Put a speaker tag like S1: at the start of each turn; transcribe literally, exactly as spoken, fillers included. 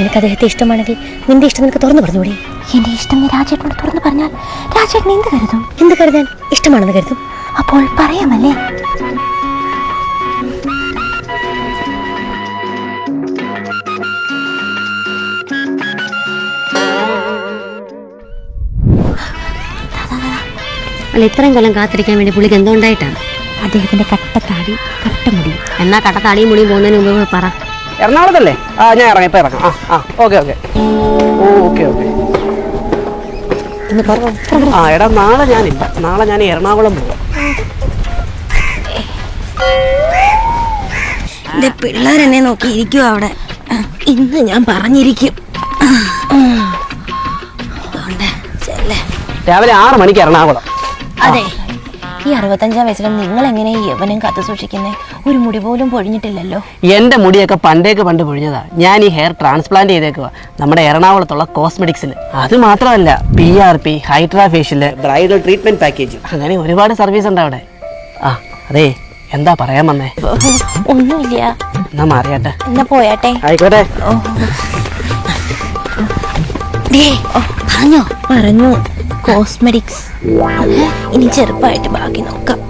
S1: നിനക്ക് അദ്ദേഹത്തെ ഇഷ്ടമാണെങ്കിൽ നിന്റെ ഇഷ്ടം നിനക്ക് തുറന്നു പറഞ്ഞുകൂടി?
S2: എന്റെ ഇഷ്ടം നീ രാജേട്ടനോട് തുറന്നു പറഞ്ഞാൽ രാജേട്ടൻ എന്ത് കരുതും?
S1: എന്ത് കരുതാൻ? ഇഷ്ടമാണെന്ന് കരുതും.
S2: അപ്പോൾ പറയാമല്ലേ?
S1: അല്ല, ഇത്രയും കൊല്ലം കാത്തിരിക്കാൻ വേണ്ടി പുള്ളിക്ക് എന്തുകൊണ്ടായിട്ടാണ്?
S2: അദ്ദേഹത്തിന്റെ കട്ടത്താടി കട്ടമുടി.
S1: എന്നാ കട്ടത്താടിയും മുടിയും പോകുന്നതിന് മുമ്പ് പറ.
S3: എറണാകുളത്തല്ലേ? ആ ഞാൻ ഇറങ്ങാം, ഇപ്പം ഇറങ്ങാം. ആ ആ ഓക്കെ ഓക്കെ ഓ ഓക്കെ ഓക്കെ ആ എടാ, നാളെ ഞാനില്ല. നാളെ ഞാൻ എറണാകുളം പോവാം.
S1: എന്റെ പിള്ളേരെന്നെ നോക്കിയിരിക്കും അവിടെ. ഇന്ന് ഞാൻ പറഞ്ഞിരിക്കും.
S3: രാവിലെ ആറ് മണിക്ക് എറണാകുളം.
S2: അതെ, ഈ അറുപത്തഞ്ചാം വയസ്സിലും നിങ്ങൾ എങ്ങനെ ഈ യവനം കാത്തു സൂക്ഷിക്കുന്നേ? ഒരു മുടി പോലും പൊഴിഞ്ഞിട്ടില്ലല്ലോ.
S3: എന്റെ മുടിയൊക്കെ പണ്ടേക്ക് പണ്ട് പൊഴിഞ്ഞതാ. ഞാൻ ഈ ഹെയർ ട്രാൻസ്പ്ലാന്റ് ചെയ്തേക്കുക നമ്മുടെ എറണാകുളത്തുള്ള കോസ്മെറ്റിക്സിൽ. അത് മാത്രമല്ല, P R P, hydra facial, bridal treatment package, അങ്ങനെ ഒരുപാട് സർവീസ് ഉണ്ട് അവിടെ. ആ അതെ, എന്താ പറയാൻ വന്നേ?
S2: ഒന്നുമില്ല.
S3: എന്നാ മാറിയാട്ടെ.
S2: എന്നാ പോയാട്ടെ.
S3: ആയിക്കോട്ടെ.
S2: പറഞ്ഞോ? പറഞ്ഞു. കോസ്മെറ്റിക്സ് ഇനി ചെറുപ്പമായിട്ട് ബാക്കി നോക്കാം.